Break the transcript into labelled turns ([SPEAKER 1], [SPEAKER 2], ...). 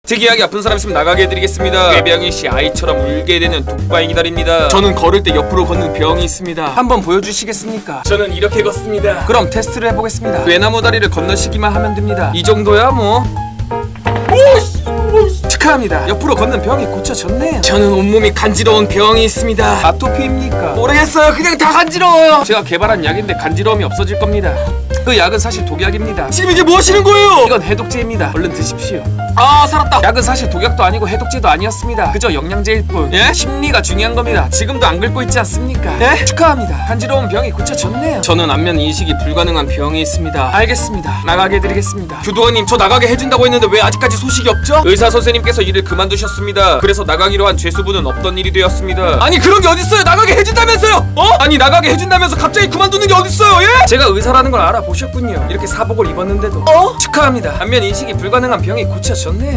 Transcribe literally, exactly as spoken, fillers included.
[SPEAKER 1] 특이하게 아픈 사람 있으면 나가게 해드리겠습니다. 꾀병이씨 아이처럼 울게 되는 독바이 기다립니다.
[SPEAKER 2] 저는 걸을 때 옆으로 걷는 병이 있습니다.
[SPEAKER 1] 한번 보여주시겠습니까?
[SPEAKER 2] 저는 이렇게 걷습니다.
[SPEAKER 1] 그럼 테스트를 해보겠습니다. 외나무 다리를 건너시기만 하면 됩니다. 이 정도야 뭐. 축하합니다. 옆으로 걷는 병이 고쳐졌네요.
[SPEAKER 2] 저는 온몸이 간지러운 병이 있습니다.
[SPEAKER 1] 아토피입니까?
[SPEAKER 2] 모르겠어요. 그냥 다 간지러워요.
[SPEAKER 1] 제가 개발한 약인데 간지러움이 없어질 겁니다. 그 약은 사실 독약입니다.
[SPEAKER 2] 지금 이게 뭐 하시는 거예요?
[SPEAKER 1] 이건 해독제입니다. 얼른 드십시오.
[SPEAKER 2] 아, 살았다.
[SPEAKER 1] 약은 사실 독약도 아니고 해독제도 아니었습니다. 그저 영양제일 뿐.
[SPEAKER 2] 예?
[SPEAKER 1] 심리가 중요한 겁니다. 지금도 안 긁고 있지 않습니까?
[SPEAKER 2] 예?
[SPEAKER 1] 축하합니다. 간지러운 병이 고쳐졌네요.
[SPEAKER 2] 저는 안면 인식이 불가능한 병이 있습니다.
[SPEAKER 1] 알겠습니다. 나가게 해드리겠습니다.
[SPEAKER 2] 교도관님, 저 나가게 해준다고 했는데 왜 아직까지 소식이 없죠?
[SPEAKER 1] 의사 선생님께서 일을 그만두셨습니다. 그래서 나가기로 한 죄수분은 없던 일이 되었습니다.
[SPEAKER 2] 아니, 그런 게 어딨어요? 나가게 해준다면서요? 어? 아니, 나가게 해준다면서 갑자기 그만두는 게 어딨어요? 예?
[SPEAKER 1] 제가 의사라는 걸 알아보셨군요. 이렇게 사복을 입었는데도.
[SPEAKER 2] 어?
[SPEAKER 1] 축하합니다. 안면 인식이 불가능한 병이 고쳐졌네요.